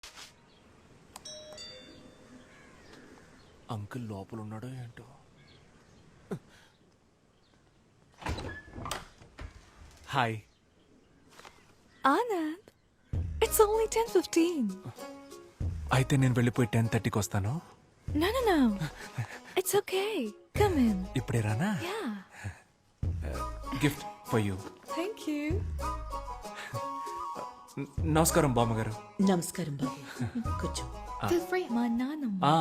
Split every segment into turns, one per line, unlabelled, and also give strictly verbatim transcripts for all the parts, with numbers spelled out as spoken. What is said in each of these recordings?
Uncle లోపల ఉన్నాడో ఏంటో. Hi
Anand, it's only ten fifteen.
అయితే నేను వెళ్ళిపోయి టెన్ థర్టీకి వస్తాను.
No, no, no. It's okay. Come in.
ఇప్పుడే రానా?
Yeah.
Gift for you.
Thank you.
నమస్కారం బామ్మగారు.
నమస్కారం బాబు, కూర్చో.
Feel free. మా నాన్నమ్మ.
ఆ,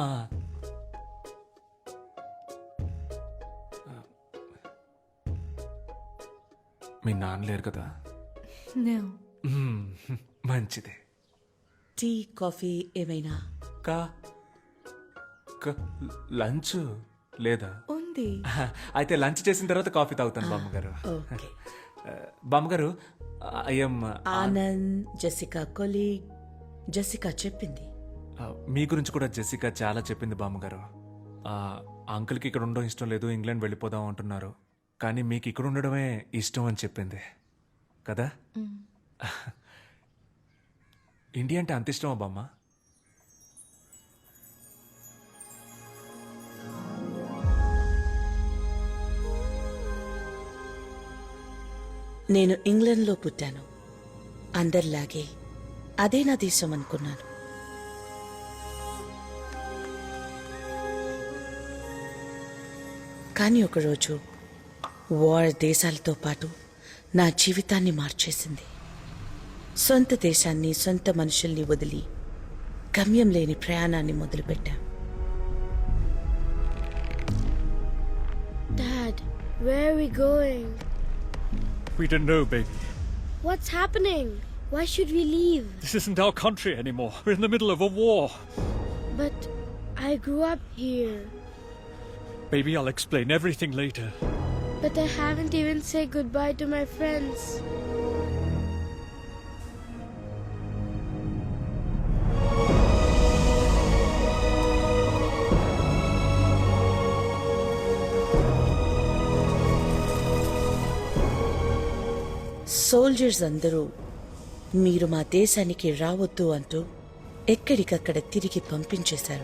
మీ నాన్న లేరు కదా?
No.
మ్మ్, మంచిదే.
టీ కాఫీ ఏమైనా?
కా క- లంచ్ లేదా?
ఉంది.
అయితే లంచ్ చేసిన తర్వాత కాఫీ తాగుతాను బామ్మగారు.
ఓకే.
బామ్మగారు, I'm
Anand Jessica colleague. Jessica చెప్పింది.
మీ గురించి కూడా జెసికా చాలా చెప్పింది బామ్మగారు. ఆ, అంకుల్కి ఇక్కడ ఉండడం ఇష్టం లేదు, ఇంగ్లాండ్ వెళ్ళిపోదాం అంటున్నారు. కానీ మీకు ఇక్కడ ఉండడమే ఇష్టం అని చెప్పింది కదా? ఇండియా అంటే అంత ఇష్టమా బామ్మ?
నేను ఇంగ్లాండ్లో పుట్టాను. అందరిలాగే అదే నా దేశం అనుకున్నాను. కానీ ఒకరోజు వార్ దేశాలతో పాటు నా జీవితాన్ని మార్చేసింది. సొంత దేశాన్ని, సొంత మనుషుల్ని వదిలి గమ్యం లేని ప్రయాణాన్ని మొదలుపెట్టా.
Dad, where are we going?
We don't know, baby.
What's happening? Why should we leave?
This isn't our country anymore. We're in the middle of a war.
But I grew up here.
Baby, I'll explain everything later.
But I haven't even said goodbye to my friends.
Soldiers అందరూ మీరు మా దేశానికి రావద్దు అంటూ ఎక్కడికక్కడ తిరిగి పంపించేశారు.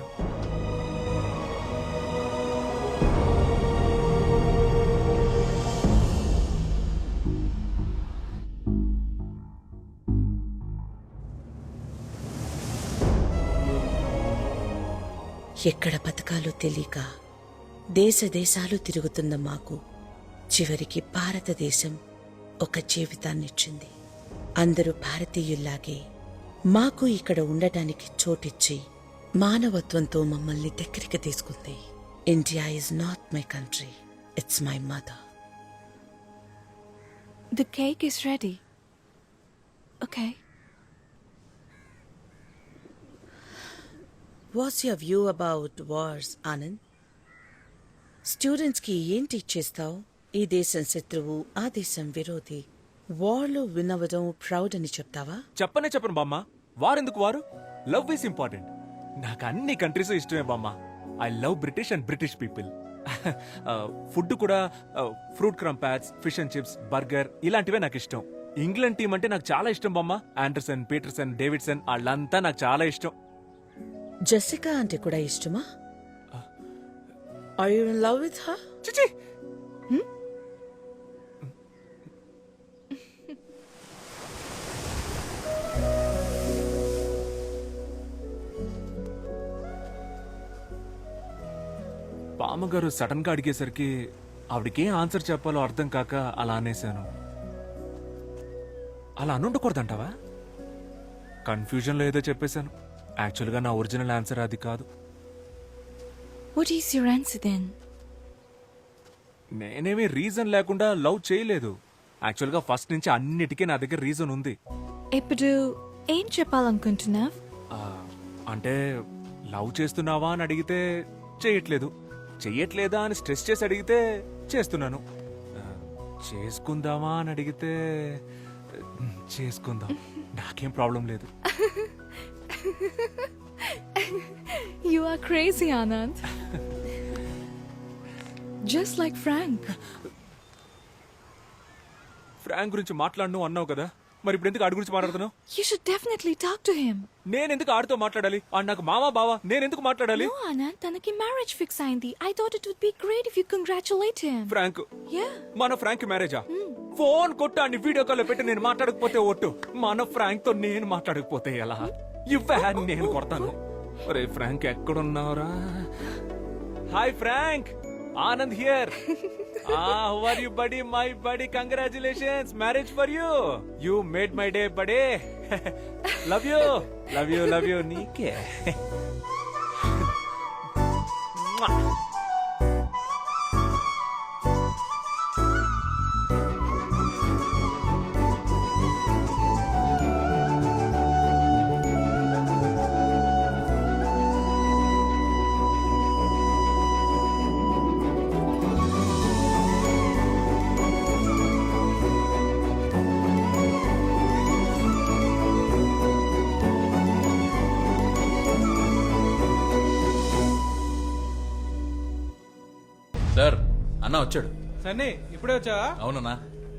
ఎక్కడ బతకాలో తెలియక దేశ దేశాలు తిరుగుతున్న మాకు చివరికి భారతదేశం ఒక జీవితాన్నిచ్చింది. అందరూ భారతీయుల్లాగే మాకు ఇక్కడ ఉండటానికి చోటిచ్చి మానవత్వంతో మమ్మల్ని దగ్గరికి తీసుకుంది. India is not my country, it's my mother.
The cake is ready. Okay.
What's your view about wars, Anand? స్టూడెంట్స్కి ఏం టీచ్ చేస్తావు? ఈ దేశం శత్రువు, ఆ దేశం విరోధి. వార్లో వినవడం ప్రౌడ్ అని చెప్తావా?
చెప్పనే చెప్పను బామ్మ. వారెందుకు వారు? Love is important. నాకు అన్ని కంట్రీస్ ఇష్టమే బామ్మ. I love British and British people. Food కూడా fruit crumpets, fish and chips, burger ఇలాంటివే నాకు ఇష్టం. ఇంగ్లాండ్ టీం అంటే నాకు చాలా ఇష్టం బామ్మ. ఆండర్సన్, పీటర్సన్, డేవిడ్సన్ వాళ్ళంతా నాకు చాలా ఇష్టం.
జెసికా అంటే కూడా ఇష్టమా? Are you in love with her?
చిచి, బామ్మగారు సడన్ గా అడిగేసరికి ఆవిడకేం ఆన్సర్ చెప్పాలో అర్థం కాక అలా అనేశాను. అలా అనుండకూడదంటావా? కన్ఫ్యూజన్లో ఏదో చెప్పేశాను. యాక్చువల్గా నా ఒరిజినల్ ఆన్సర్ అది కాదు.
What is your answer then?
నేనేమీ రీజన్ లేకుండా లవ్ చేయలేదు. యాక్చువల్గా ఫస్ట్ నుంచి అన్నిటికీ నా దగ్గర రీజన్ ఉంది.
ఇప్పుడు ఏం చెప్పాలనుకుంటున్నావ్?
ఆ, అంటే లవ్ చేస్తున్నావా అని అడిగితే చేయట్లేదు, చెయ్యట్లేదా అని స్ట్రెస్ చేసి అడిగితే చేస్తున్నాను, ఆ, చేసుకుందామా అని అడిగితే చేసుకుందాం, నాకేం ప్రాబ్లం లేదు.
You are crazy, Anand. Just like Frank.
Frank గురించి మాట్లాడను అన్నావు కదా, మరి ఇప్పుడు ఎందుకు ఆడి గురించి మాట్లాడుతున్నావు?
You should definitely talk to him.
నేను ఎందుకు ఆడితో మాట్లాడాలి? ఆడు నాకు మావా బావా, నేను ఎందుకు మాట్లాడాలి?
No, Anand, తనకి marriage fix అయింది. I thought it would be great if you congratulate him.
Frank,
Yeah.
మన ఫ్రాంక్ మ్యారేజా? ఫోన్ కొట్టు అని వీడియో కాల్ పెట్టి నేను మాట్లాడకపోతే ఒట్టు, మన ఫ్రాంక్ తో నేను మాట్లాడకపోతే ఎలా? ఇవ్వే నేను కొడతాను. ఒరే ఫ్రాంక్ ఎక్కడున్నావురా? Hi Frank, Anand here. Ah, how are you, buddy? My buddy, congratulations, marriage for you. You made my day, buddy. Love you, love you, love you, నీకే.
సార్ అన్న వచ్చాడు.
సన్నీ ఇప్పుడే వచ్చావా?
అవునన్నా.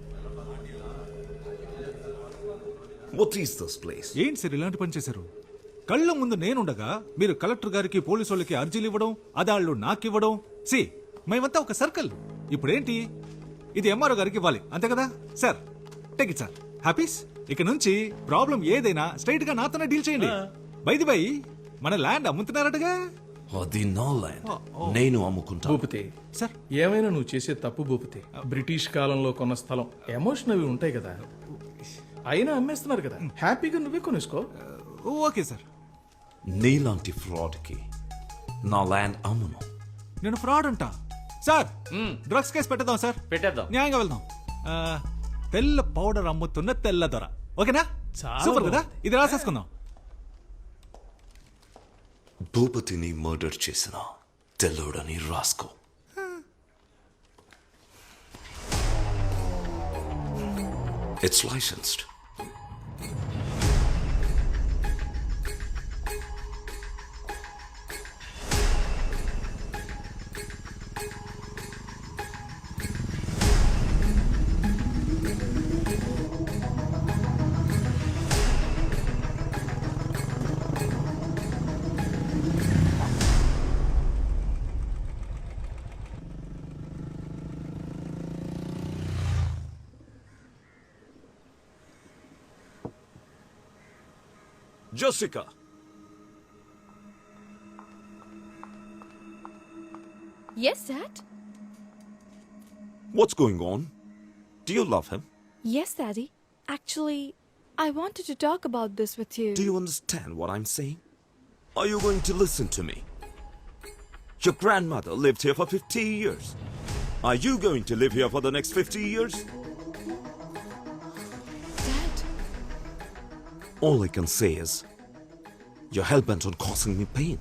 What is this place?
ఏంటి sir ఇలాంటి పని చేశారు? కళ్ళ ముందు నేనుండగా మీరు కలెక్టర్ గారికి పోలీసు వాళ్ళకి అర్జీలు ఇవ్వడం, అదాళ్ళు నాకివ్వడం. సి మేమంతా ఒక సర్కిల్. ఇప్పుడేంటి ఇది ఎంఆర్ఓ గారికి ఇవ్వాలి అంతే కదా సార్? Take it sir. హ్యాపీస్. ఇక నుంచి ప్రాబ్లం ఏదైనా స్ట్రైట్ గా నాతోనే డీల్ చేయండి. బైది బై మన ల్యాండ్ అమ్ముతున్నారటగా?
అది నా ల్యాండ్, నేను అమ్ముకుంటా.
భూపతి
సార్
ఏమైనా నువ్వు చేసే తప్పు భూపతి. బ్రిటిష్ కాలంలో కొన్న స్థలం, ఎమోషన్ అవి ఉంటాయి కదా, అయినా అమ్మేస్తున్నారు కదా, హ్యాపీగా నువ్వే కొనేసుకో.
Okay sir.
నీలాంటి ఫ్రాడ్ కి నా ల్యాండ్ అమ్మును.
నేను ఫ్రాడ్ అంటా సార్? డ్రగ్స్ కేసు పెట్టేద్దాం సార్.
పెట్టేద్దాం.
న్యాయంగా వెళ్దాం. ఆ, తెల్ల పౌడర్ అమ్ముతున్న తెల్ల దొర. ఓకేనా?
చాలా
సూపర్ కదా. ఇది రాసేసుకుందాం.
భూపతిని మర్డర్ చేసిన తెల్లోడని రాసుకో. It's licensed. Jessica.
Yes, Dad.
What's going on? Do you love him?
Yes, Daddy. Actually, I wanted to talk about this with you.
Do you understand what I'm saying? Are you going to listen to me? Your grandmother lived here for fifty years. Are you going to live here for the next fifty years?
Dad,
All I can say is, you're hell-bent on causing me pain.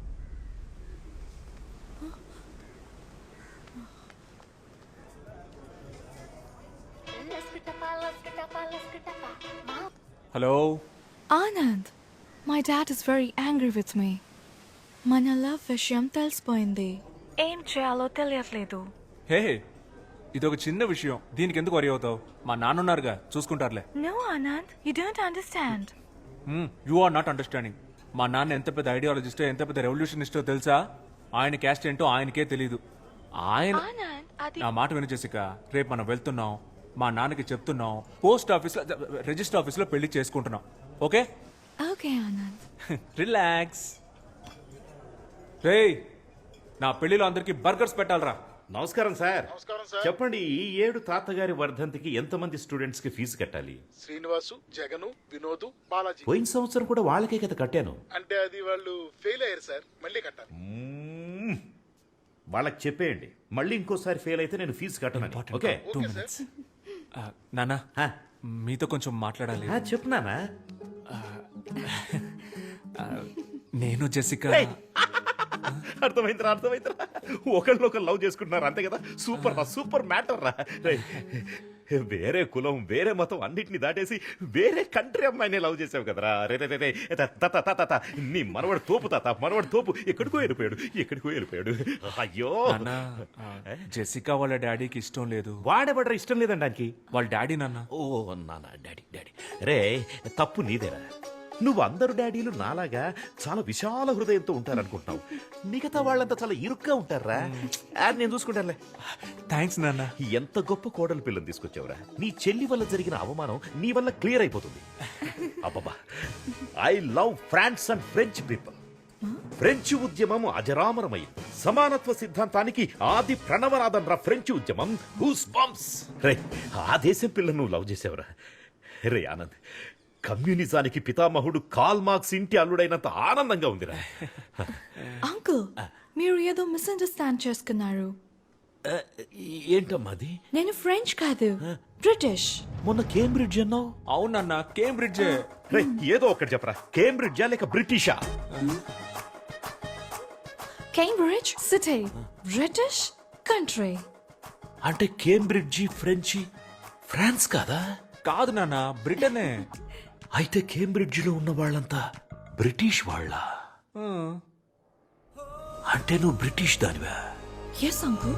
Hello
Anand, my dad is very angry with me. మన love విషయం తెలిసిపోయింది. ఏం చేయాలో తెలియట్లేదు.
హే, ఇదొక చిన్న విషయం, దీనికి ఎందుకు వరి అవుతావు? మా నాన్నున్నారుగా, చూసుకుంటారులే.
No, Anand, you don't understand.
You are not understanding. మా నాన్న ఎంత పెద్ద ఐడియాలజిస్టో, ఎంత పెద్ద రెవల్యూషనిస్టో తెలుసా? ఆయన క్యాస్ట్ ఏంటో ఆయనకే తెలీదు. ఆయన
Anand, అది
నా మాట విను జెసికా, రేపు మనం వెళ్తున్నాం, మా నాన్నకి చెప్తున్నాం, పోస్ట్ ఆఫీస్ లో రిజిస్టర్ ఆఫీస్ లో పెళ్లి చేసుకుంటున్నాం. ఓకే?
ఓకే ఆనంద్.
రిలాక్స్. రేయ్, నా పెళ్లిలో అందరికి బర్గర్స్ పెట్టాలరా.
నమస్కారం సార్. చెప్పండి, ఈ ఏడు తాతగారి వర్ధంతికి ఎంతమంది స్టూడెంట్స్ కి ఫీజు కట్టాలి?
శ్రీనివాసు, జగను, వినోదు, బాలాజీ.
పోయిన సంవత్సరం కూడా వాళ్ళకే కదా కట్టాను.
అంటే అది వాళ్ళు ఫెయిల్ అయ్యారు సార్, మళ్ళీ కట్టాలి.
మ్మ్. వాళ్ళకి చెప్పేయండి, మళ్ళీ ఇంకోసారి ఫెయిల్ అయితే నేను ఫీజు కట్టను. ఓకే?
Two minutes. నానా, మీతో కొంచెం మాట్లాడాలి.
చెప్తున్నానా?
నేను జెసికా.
అర్థమైందిరా, అర్థమైందిరా. ఒకళ్ళు ఒకరు లవ్ చేసుకుంటున్నారు అంతే కదా. సూపర్ రా, సూపర్ మ్యాటర్ రా. వేరే కులం వేరే మతం అన్నిటిని దాటేసి వేరే కంట్రీ అమ్మాయిని లవ్ చేసావు కదరా రే రే రే రే. త- త- త- త- త. నీ మనవడు తోపు తాత మనవడు తోపు ఎక్కడికో వెళ్ళిపోయాడు ఎక్కడికో వెళ్ళిపోయాడు అయ్యో
నాన్న జెసికా వాళ్ళ డాడీకి ఇష్టం లేదు.
వాడెవడరా ఇష్టం లేదండి దానికి
వాళ్ళ డాడీ నాన్న.
ఓ నాన్న డాడీ డాడీ రే తప్పు నీదేరా నువ్వు అందరు డాడీలు నాలాగా చాలా విశాల హృదయంతో ఉంటారనుకుంటున్నావు మిగతా వాళ్ళంతా చాలా ఇరుగ్గా ఉంటారా అది నేను చూసుకుంటానులే
థ్యాంక్స్ నాన్న.
ఎంత గొప్ప కోడలు పిల్లని తీసుకొచ్చావురా నీ చెల్లి వల్ల జరిగిన అవమానం నీ వల్ల క్లియర్ అయిపోతుంది అబ్బబ్బా I love France and French people French ఉద్యమం అజరామరమైంది సమానత్వ సిద్ధాంతానికి ఆది ప్రణవనాదం రా ఫ్రెంచ్ ఉద్యమం హూస్ బంప్స్ రే ఆ దేశం పిల్లను నువ్వు లవ్ చేసావురా రే ఆనంద్ కమ్యూనిజానికి పితామహుడు కాల్ మార్క్స్ ఇంటి అల్లుడైనంత ఆనందంగా ఉందిరా
అంకుల్ మీరు ఏదో మిస్అండర్స్టాండ్ చేసుకున్నారు.
ఏంటమ్మా అది
నేను ఫ్రెంచ్ కాదు, బ్రిటిష్.
మొన్న కేంబ్రిడ్జ్ అన్నావు
అవునన్న కేంబ్రిడ్జ్.
రే ఏదో ఒకటి చెప్పరా కేంబ్రిడ్జా లేక బ్రిటిషా
కేంబ్రిడ్జ్ సిటీ, బ్రిటిష్ కంట్రీ.
అంటే కేంబ్రిడ్జి ఫ్రెంచి ఫ్రాన్స్ కాదా
కాదు నాన్న బ్రిటనే.
అయితే కేంబ్రిడ్జిలో ఉన్న వాళ్ళంతా బ్రిటిష్ వాళ్ళ అంటే నువ్వు బ్రిటిష్ దానివా
ఎస్ అంకుల్.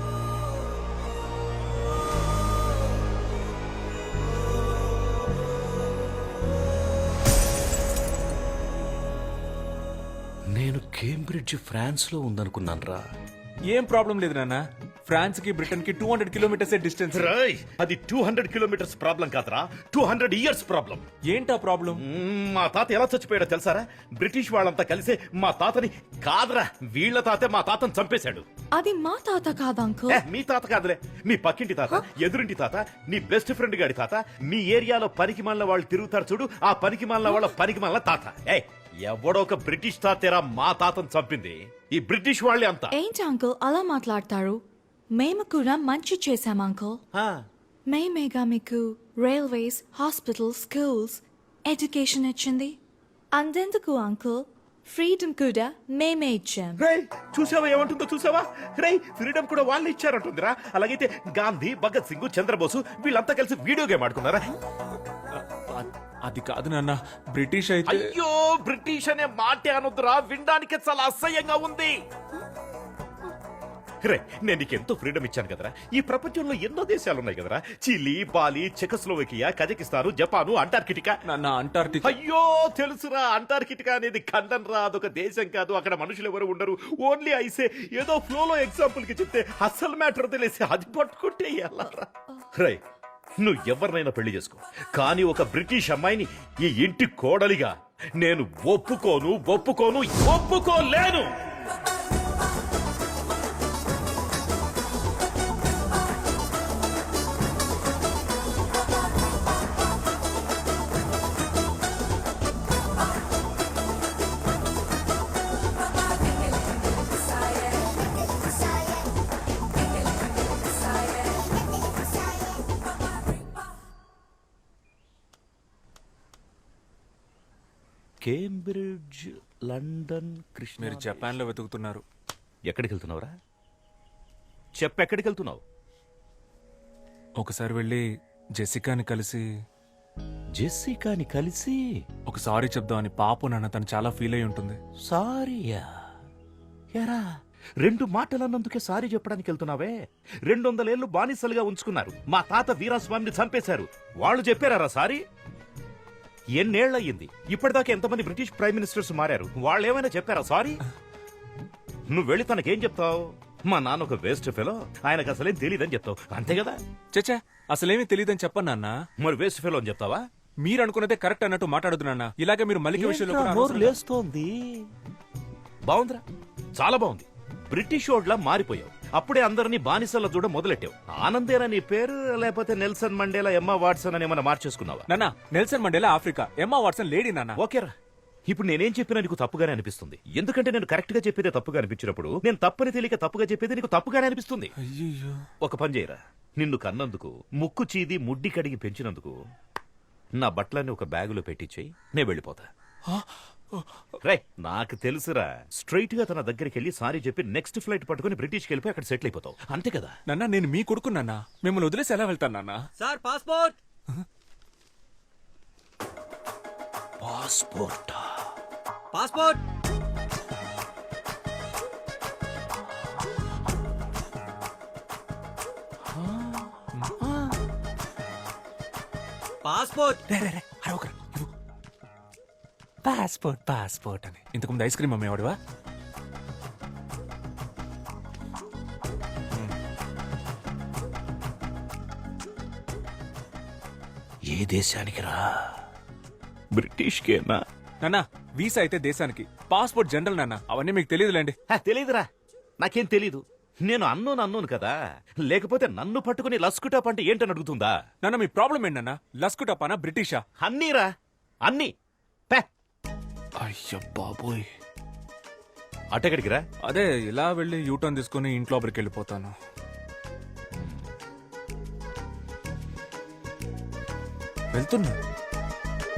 నేను కేంబ్రిడ్జ్ ఫ్రాన్స్ లో ఉందనుకున్నాను రా
ఏం ప్రాబ్లం లేదు నాన్న. ఫ్రాన్స్ కి బ్రిటన్ కి టూ హండ్రెడ్ కిలోమీటర్స్ డిస్టెన్స్.
అది టూ హండ్రెడ్ కిలోమీటర్స్ ప్రాబ్లం కాదురా టూ హండ్రెడ్ ఇయర్స్ ప్రాబ్లం
ఏంటా ప్రాబ్లం?
మా తాత ఎలా చచ్చిపోయాడో తెలుసారా బ్రిటిష్ వాళ్ళంతా కలిసే మా తాతని కాదురా వీళ్ళ తాతే మా తాతని చంపేశాడు
అది మా తాత కాదు అంకుల్.
ఏ, మీ తాత కాదులే మీ పక్కింటి తాత ఎదురింటి తాత నీ బెస్ట్ ఫ్రెండ్ గాడి తాత మీ ఏరియాలో పనికి మాలిన వాళ్ళు తిరుగుతారు చూడు ఆ పనికి మాలిన వాళ్ళ పనికి మాలిన తాత ఏ ఎవడో ఒక బ్రిటిష్ తాతేరా మా తాతను చంపింది ఈ బ్రిటిష్ వాళ్ళే అంతా
ఏంటి అంకుల్ అలా మాట్లాడతారు? మేము కూడా మంచి చేశాం అంకుల్. మేమేగా మీకు రైల్వేస్, హాస్పిటల్స్, స్కూల్స్, ఎడ్యుకేషన్ ఇచ్చింది. అందెందుకు అంకుల్ ఫ్రీడమ్ కూడా మేమే ఇచ్చాం.
రేయ్ చూసావా ఏమంటుందో చూసావా రేయ్ ఫ్రీడమ్ కూడా వాళ్ళు ఇచ్చారంటుందిరా అలాగైతే గాంధీ భగత్ సింగ్ చంద్రబోసు వీళ్ళంతా కలిసి వీడియో గేమ్ ఆడుకున్నారా
అది కాదు నాన్న బ్రిటిష్ అయితే.
అయ్యో బ్రిటిష్ అనే మాటే అనొద్దురా వినడానికి చాలా అసహ్యంగా ఉంది రే నేను నీకు ఎంతో ఫ్రీడమ్ ఇచ్చాను కదరా ఈ ప్రపంచంలో ఎన్నో దేశాలు ఉన్నాయి కదరా Chile Bali Czechoslovakia Kazakhstan Japan Antarctica
నాన్న అంటార్టిక్.
అయ్యో తెలుసురా అంటార్కిటికా అనేది ఖండం రా అదొక దేశం కాదు అక్కడ మనుషులు ఎవరు ఉండరు ఓన్లీ ఐసే ఏదో ఫ్లోలో ఎగ్జాంపుల్ కి చెప్తే అసలు మ్యాటర్ తెలిసి అది పట్టుకుంటే ఎలా రై నువ్వు ఎవరినైనా పెళ్లి చేసుకో కానీ ఒక బ్రిటిష్ అమ్మాయిని ఈ ఇంటి కోడలిగా నేను ఒప్పుకోను ఒప్పుకోను ఒప్పుకోలేను కేంబ్రిడ్జ్ లండన్ కృష్ణ
మీరు జపాన్ లో వెతుకుతున్నారు.
ఎక్కడికి వెళ్తున్నావురా చెప్పెక్కడికి వెళ్తున్నావు
ఒకసారి వెళ్ళి జెసికాని కలిసి
జెస్సికాని కలిసి
ఒక సారీ చెప్దామని. పాపం నాన్న తను చాలా ఫీల్ అయి ఉంటుంది.
సారీయా ఎరా రెండు మాటలన్నందుకే సారీ చెప్పడానికి వెళ్తున్నావే రెండు వందలేళ్లు బానిసలుగా ఉంచుకున్నారు మా తాత వీరాస్వామిని చంపేశారు వాళ్ళు చెప్పారా సారీ ఎన్నేళ్లయ్యింది ఇప్పటిదాకా ఎంతమంది బ్రిటిష్ ప్రైమ్ మినిస్టర్స్ మారారు వాళ్ళు ఏమైనా చెప్పారా సారీ నువ్వు వెళ్ళి తనకేం చెప్తావు మా నాన్న ఒక వేస్ట్ ఫెలో ఆయనకు అసలేం తెలియదని చెప్తావు అంతే కదా
చచ్చా అసలేమీ తెలియదని చెప్పను నాన్న.
మరి వేస్ట్ ఫెలో అని చెప్తావా
మీరు అనుకున్నదే కరెక్ట్ అన్నట్టు మాట్లాడదు నాన్న. ఇలాగే మీరు మల్లిక విషయంలో కూడా
నోరు
అనవసరంగా-
లేస్తోంది బాగుందిరా చాలా బాగుంది బ్రిటిష్ ఓడ్లా మారిపోయావు అప్పుడే అందరినీ బానిసల చూడ మొదలెట్టావు ఆనందేనా నీ పేరు లేకపోతే నెల్సన్ మండేలా ఎమ్మా వాట్సన్ అని ఏమన్నా మార్చేసుకున్నావా
నాన్న Nelson Mandela Africa, Emma Watson lady నాన్న.
ఓకేరా ఇప్పుడు నేనేం చెప్పినా నీకు తప్పుగానే అనిపిస్తుంది ఎందుకంటే నేను కరెక్ట్ గా చెప్పేదే తప్పుగా అనిపించినప్పుడు నేను తప్పని తెలియక తప్పుగా చెప్పేది నీకు తప్పుగానే అనిపిస్తుంది
అయ్యో
ఒక పని చేయరా నిన్ను కన్నందుకు ముక్కు చీది ముడ్డి కడిగి పెంచినందుకు నా బట్టలన్నీ ఒక బ్యాగులో పెట్టించేయి నేను వెళ్ళిపోతా రే నాకు తెలుసురా, స్ట్రైట్ గా తన దగ్గరికి వెళ్ళి సారీ చెప్పి నెక్స్ట్ ఫ్లైట్ పట్టుకుని బ్రిటిష్కి వెళ్ళిపోయి అక్కడ సెటిల్ అయిపోతావు అంతే కదా.
నాన్న నేను మీ కొడుకు నాన్న, మిమ్మల్ని వదిలేసి ఎలా వెళ్తాను నాన్న?
Sir passport.
Passport
passport. Passport.
రే రే రే అరవకరా, ఇవ్వు. పాస్పోర్ట్ పాస్పోర్ట్ అని ఇంతకుముందు ఐస్ క్రీమ్ అమ్మేవాడివా?
ఏ దేశానికి రా? బ్రిటిష్కేనా?
నాన్న వీసా అయితే దేశానికి, పాస్పోర్ట్ జనరల్ నాన్న, అవన్నీ మీకు తెలియదులేండి.
హ, తెలీదురా, నాకేం తెలీదు. నేను అన్నోను అన్నోను కదా, లేకపోతే నన్ను పట్టుకుని లస్కుటాప్ అంటే ఏంటని అడుగుతుందా?
నాన్న మీ ప్రాబ్లం ఏంటన్నా? లస్కుటపానా బ్రిటిషా?
అన్నీరా అన్నీ. పే
అయ్య బాబోయ్.
అటెక్కడికి రా?
అదే ఇలా వెళ్ళి యూటర్న్ తీసుకుని ఇంట్లో లోపలికి వెళ్ళిపోతాను. వెళ్తున్నా.